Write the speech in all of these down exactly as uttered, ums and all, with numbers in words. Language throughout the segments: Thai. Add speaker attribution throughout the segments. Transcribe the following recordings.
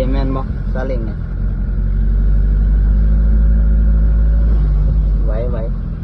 Speaker 1: แม่นบ่ซาเล้งเนี่ยไหวไหว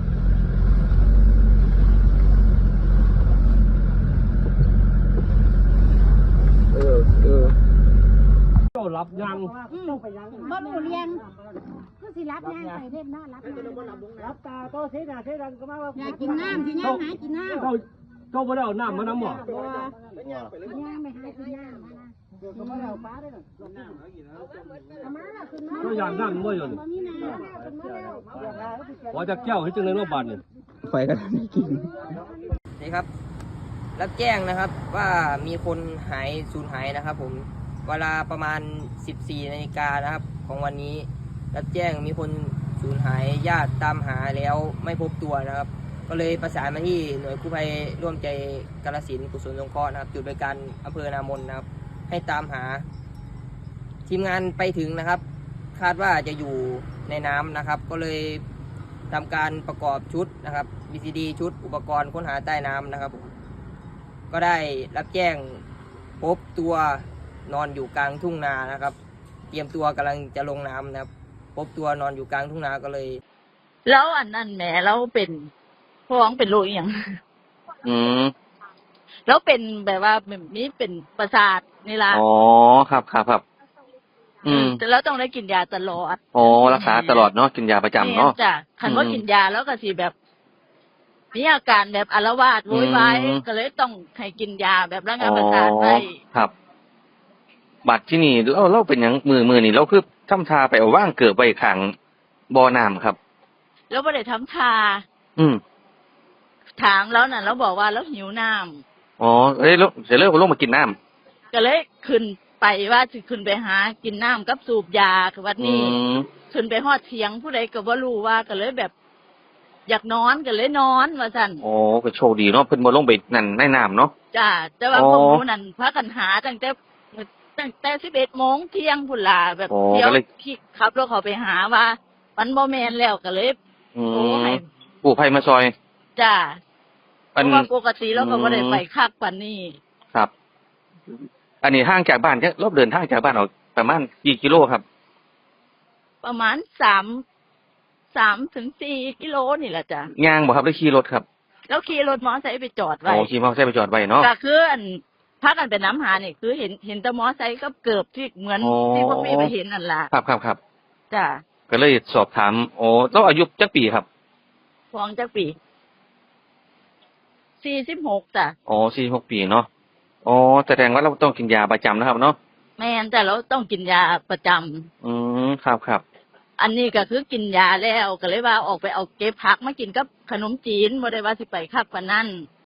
Speaker 1: เออเออ
Speaker 2: เจ้ารับยัง
Speaker 3: บ่รู้เรียนคือสิรับย่างใส่เล่นนะรับรับตาโตเสียหน้าเสียดังก็มาว่าอยากกินน้ำสิย่างหากินน้ำ
Speaker 2: เจ้าเจ้าบ่ได้เอาน้ำมาน้ำหร
Speaker 3: ย่างไปหากินน้ำนะก็มาเอาปลาได้หรอน้ำกินแล้ว
Speaker 2: เจ้าอยากน้ำบ่อยู่นี่
Speaker 3: มีน้ำ
Speaker 2: ขอจะแก้วให้จังเลยว่าบาดนี่
Speaker 1: ไฟก็ไม่กิน
Speaker 4: นี่ครับรับแจ้งนะครับว่ามีคนหายสูญหายนะครับผมเวลาประมาณสิบสี่นาฬิกานะครับของวันนี้รับแจ้งมีคนสูญหายญาติตามหาแล้วไม่พบตัวนะครับ ก็เลยประสานมาที่หน่วยกู้ภัยร่วมใจกาฬสินธุ์กุศลสงเคราะห์นะครับจุดบริการอำเภอนามนนะครับให้ตามหาทีมงานไปถึงนะครับ คาดว่าจะอยู่ในน้ำนะครับ ก็เลยทำการประกอบชุดนะครับ บี ซี ดี ชุดอุปกรณ์ค้นหาใต้น้ำนะครับ ก็ได้รับแจ้งพบตัวนอนอยู่กลางทุ่งนานะครับ เตรียมตัวกำลังจะลงน้ำนะครับ พบตัวนอนอยู่กลางทุ่งนาก็เลย
Speaker 5: แล้วอันนั้นแหมเราเป็นพ้องเป็นโรคอหย่าง
Speaker 6: อืม
Speaker 5: แล้วเป็นแบบว่าแบบนี้เป็นประสาทนี่ล่ะ
Speaker 6: อ๋อครับครับครับอืม
Speaker 5: แต่แล้วต้องได้กินยาตลอด
Speaker 6: อ๋อรักษาตลอดเนาะกินยาประจำเนาะ
Speaker 5: แม่จ้ะคันว่า
Speaker 6: อืม
Speaker 5: กินยาแล้วก็สิแบบมีอาการแบบอาละวาดโวยวาย
Speaker 6: อืม
Speaker 5: ก็เลยต้องให้กินยาแบบระงับประสาทไป
Speaker 6: อ๋อครับ บัตรที่นี่เราเราเป็นหยังมือมือนี่เราคือทำทาไปเอาว่างเกิดไปขังบ่อน้ำครับ
Speaker 5: แล้วบ่ได้ทำทา
Speaker 6: อืม
Speaker 5: ถามแล้วน่ะเราบอกว่าเราหิวน้ำ
Speaker 6: อ๋อเอ้ยแล้วเสร็จแล้วก็ลงมากินน้ำ
Speaker 5: ก็เลยขึ้นไปว่าสิขึ้นไปหากินน้ำกับสูบยาคือวัน
Speaker 6: อื
Speaker 5: นี้
Speaker 6: ม
Speaker 5: ขึ้นไปฮอดเถียงผู้ใดก็บ่รู้ว่าก็เลยแบบ อยากนอนก็เลยนอนว่าซั่น
Speaker 6: อ๋อก็โชคดีเนาะเพิ่นบ่ลงไปนั่นในน้ำเนาะ
Speaker 5: จ้าแต่ว่า
Speaker 6: อ๋อ
Speaker 5: พวกหนูนั่นพากันหาตั้งแต่ตั้งแต่สิบเอ็ดโมงเที่ยงพุ่นล่ะแบบ
Speaker 6: อ๋อ
Speaker 5: เที่ยว
Speaker 6: ก็เลย
Speaker 5: ที่ขับรถเขาไปหาว่า มันบ่แม่นแล้วก็เลย
Speaker 6: อื
Speaker 5: โทร
Speaker 6: ม
Speaker 5: ให้
Speaker 6: กู้ภัยมาซอย
Speaker 5: จ้าเพ
Speaker 6: อัน
Speaker 5: ราะว่าปกติเราก็บ่ได้
Speaker 6: อืม
Speaker 5: ไปคักปานนี้
Speaker 6: ครับ อันนี้ห่างจากบ้านแค่รอบเดินทางจากบ้านออกประมาณกี่กิโลครับ
Speaker 5: ประมาณสาม สามถึงสี่กิโลนี่แหละจ้ะ
Speaker 6: ย่างบ่ครับหรือขี่รถครับ
Speaker 5: แล้วขี่รถมอไซค์ไปจอด
Speaker 6: อ๋
Speaker 5: ไว้
Speaker 6: อขี่มอเตอร์ไซค์ไปจอดไว้เนาะ
Speaker 5: ก็คืออันพากันไปน้ำหานี่คือเห็นเห็นแต่มอไซค์กับเกือบที่เหมือน
Speaker 6: อ๋อ
Speaker 5: ที่พวกพี่ไปเห็นนั่นล่ะ
Speaker 6: ครับครับครับ
Speaker 5: จ้ะ
Speaker 6: ก็เลยสอบถามโอ้ต้องอายุจักปีครับ
Speaker 5: ฟองจักปีสี่สิบหกจ้ะ
Speaker 6: อ๋อสี่หกปีเนาะอ๋อแสดงว่าเราต้องกินยาประจำนะครับเนาะ
Speaker 5: แม่นแต่เราต้องกินยาประจำ
Speaker 6: อืมครับครับ
Speaker 5: อันนี้ก็คือกินยาแล้วก็เลยว่าออกไปเอาเก็บผักมากินกับขนมจีนบ่ได้ว่าสิไปคักปานนั้น